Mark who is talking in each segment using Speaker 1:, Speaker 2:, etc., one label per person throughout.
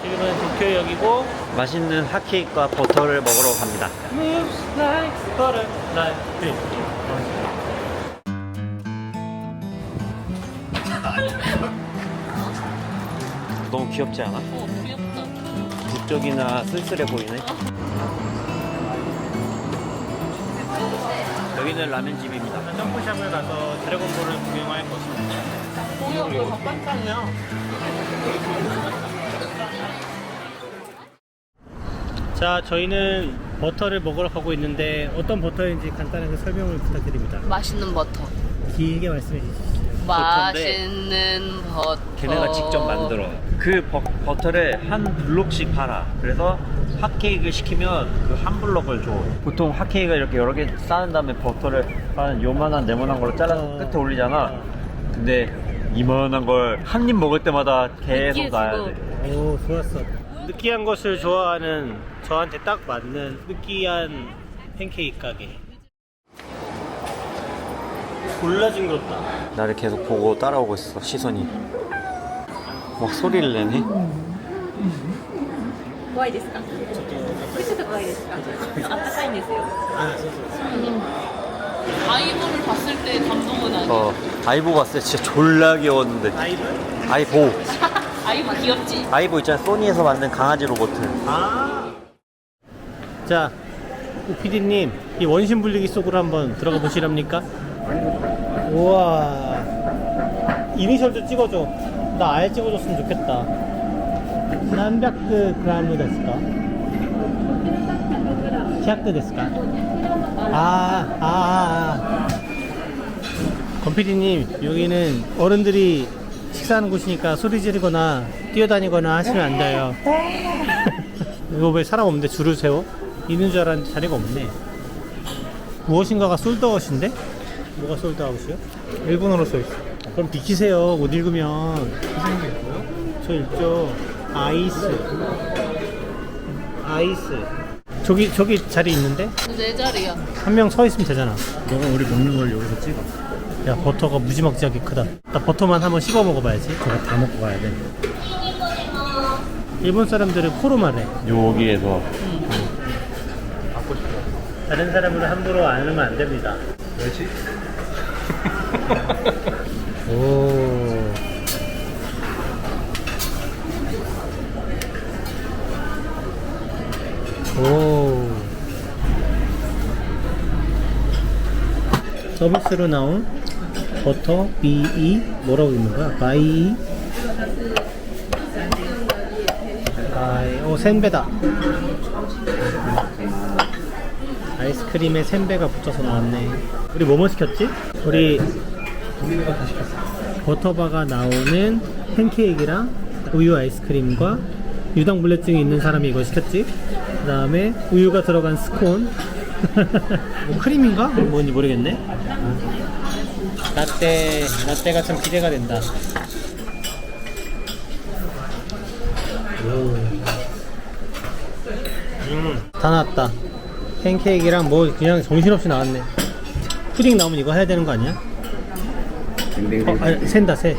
Speaker 1: 지금은 도쿄역이고
Speaker 2: 맛있는 핫케이크와 버터를 먹으러 갑니다.
Speaker 1: Moves like butter, like this.
Speaker 2: 너무 귀엽지 않아?
Speaker 3: 귀엽다.
Speaker 2: 북적이나 쓸쓸해 보이네. 여기는 라면집입니다.
Speaker 1: 점프샵을 가서 드래곤볼을 구경할 것입니다.
Speaker 3: 공연도 바깥장이야.
Speaker 1: 자, 저희는 버터를 먹으러 가고 있는데 어떤 버터인지 간단하게 설명을 부탁드립니다.
Speaker 3: 맛있는 버터.
Speaker 1: 길게 말씀해 주시죠.
Speaker 3: 맛있는 버터.
Speaker 2: 걔네가 직접 만들어. 그 버터를 한 블록씩 팔아. 그래서 핫케이크 시키면 그 한 블록을 줘. 보통 핫케이크가 이렇게 여러 개 쌓은 다음에 버터를 한 요만한 네모난 걸로 잘라서 끝에 올리잖아. 근데 이만한 걸 한 입 먹을 때마다 계속 놔야 돼.
Speaker 1: 오, 좋았어. 느끼한 것을 좋아하는 저한테 딱 맞는 느끼한 팬케이크 가게. 졸라 징그럽다.
Speaker 2: 나를 계속 보고 따라오고 있어, 시선이. 막 소리를 내네.
Speaker 3: 怖いですか？ちょっと怖いですか？あったかいんですよ。
Speaker 1: 아,
Speaker 3: 아이보를 봤을 때 감동은 아니야.
Speaker 2: 아이보 봤을 때 진짜 졸라 귀여웠는데.
Speaker 1: 아이돌?
Speaker 2: 아이보.
Speaker 3: 아이보 귀엽지?
Speaker 2: 아이보 있잖아, 소니에서 만든 강아지 로봇.
Speaker 1: 아. 자, 오피디님, 이 원심 불리기 속으로 한번 들어가 보시랍니까? 우와. 이니셜도 찍어줘. 나 아예 찍어줬으면 좋겠다. 何百グラムですか? 100ですか? 건피디님, 여기는 어른들이 식사하는 곳이니까 소리 지르거나 뛰어다니거나 하시면 안 돼요. 이거 왜 사람 없는데 줄을 세워? 있는 줄 알았는데 자리가 없네. 무엇인가가 솔드아웃인데? 뭐가 솔드아웃이요? 일본어로 써있어. 그럼 비키세요. 못 읽으면. 무슨 게 있고요? 저 읽죠. 아이스. 저기 자리 있는데?
Speaker 3: 내 자리야.
Speaker 1: 한 명 서 있으면 되잖아. 너가 우리 먹는 걸 여기서 찍어. 야, 버터가 무지막지하게 크다. 나 버터만 한번 씹어 먹어봐야지. 저거 다 먹고 가야 돼. 일본 사람들은 코로 말해.
Speaker 2: 여기에서.
Speaker 1: 받고 싶어. 다른 사람을 함부로 안 하면 안 됩니다.
Speaker 2: 왜지?
Speaker 1: 오. 오. 서비스로 나온 버터 BE 뭐라고 읽는 거야? 바이 센베다. 아이스크림에 센베가 붙여서 나왔네. 우리 뭐뭐 시켰지? 우리 버터바가 나오는 팬케이크랑 우유 아이스크림과 유당불내증이 있는 사람이 이걸 시켰지. 그 다음에 우유가 들어간 스콘. 뭐 크림인가? 뭔지 모르겠네. 라떼가 참 기대가 된다. 다 나왔다. 팬케이크랑 뭐 그냥 정신없이 나왔네. 푸딩 나오면 이거 해야 되는 거 아니야? 샌다 새.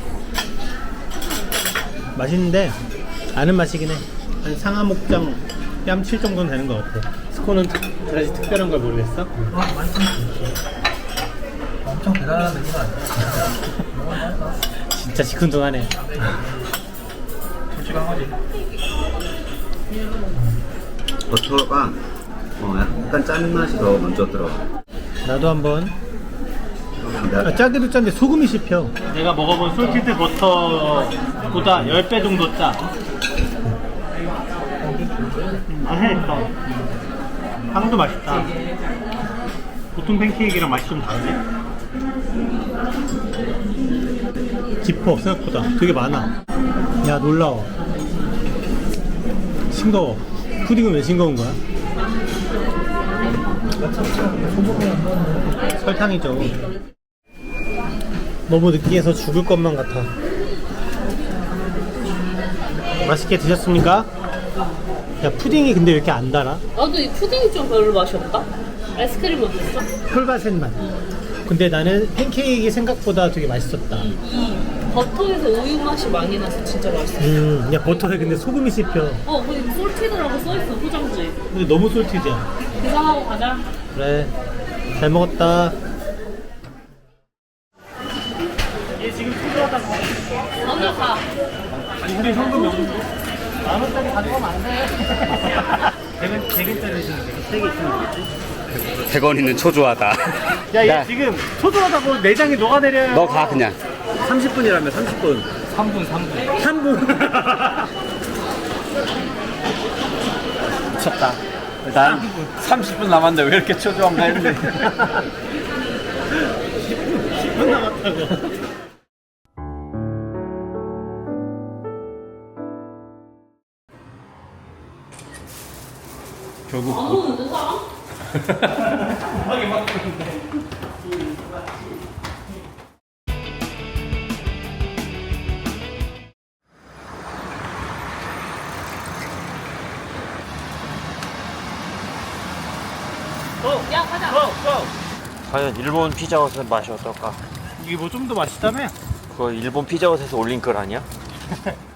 Speaker 1: 맛있는데 아는 맛이긴 해. 한 상하 목장 뺨칠 정도는 되는 것 같아. 스콘은 그다지 특별한 걸 모르겠어?
Speaker 4: 엄청 대단한 느낌 아니야?
Speaker 1: 진짜 시큰둥하네.
Speaker 4: 솔직한 거지.
Speaker 2: 버터가 약간 짠 맛이 더 먼저 들어가.
Speaker 1: 나도 한번. 짜기도 짠데 소금이 씹혀. 내가 먹어본 솔티드 버터보다 10배 정도 짜. 맛있어. 빵도 맛있다. 보통 팬케이크랑 맛이 좀 다르네. 깊어, 생각보다. 되게 많아. 야, 놀라워. 싱거워. 푸딩은 왜 싱거운 거야? 설탕이죠. 너무 느끼해서 죽을 것만 같아. 맛있게 드셨습니까? 야, 푸딩이 근데 왜 이렇게 안 달아?
Speaker 3: 나도 이 푸딩이 좀 별로 맛이 없다. 아이스크림 어땠어?
Speaker 1: 폴바셋 맛. 근데 나는 팬케이크 생각보다 되게 맛있었다.
Speaker 3: 버터에서 우유 맛이 많이 나서 진짜 맛있어.
Speaker 1: 야 버터에 근데 소금이 씹혀.
Speaker 3: 근데 솔티드라고 써있어, 포장지에.
Speaker 1: 근데 너무 솔티지야.
Speaker 3: 계산하고 가자.
Speaker 1: 그래. 잘 먹었다. 얘 지금 초조하다고.
Speaker 3: 먼저 가.
Speaker 1: 우리 현금 만 원짜리 가져가면 안 돼. 100원짜리 주면 돼. 3개 있으면 되겠지?
Speaker 5: 100원 있는 초조하다.
Speaker 1: 야, 얘
Speaker 5: 야.
Speaker 1: 지금 초조하다고 내장이 녹아내려요.
Speaker 5: 너 가 그냥.
Speaker 2: 30분이라며 30분.
Speaker 1: 3분.
Speaker 2: 미쳤다. 난 30분 남았는데 왜 이렇게 초조한가 했는데.
Speaker 1: 10분 남았다고.
Speaker 2: 결국
Speaker 3: 안 오는데, 사람? 야, 가자.
Speaker 2: 과연 일본 피자헛의 맛이 어떨까?
Speaker 1: 이게 뭐 좀 더 맛있다며?
Speaker 2: 그거 일본 피자헛에서 올린 글 아니야?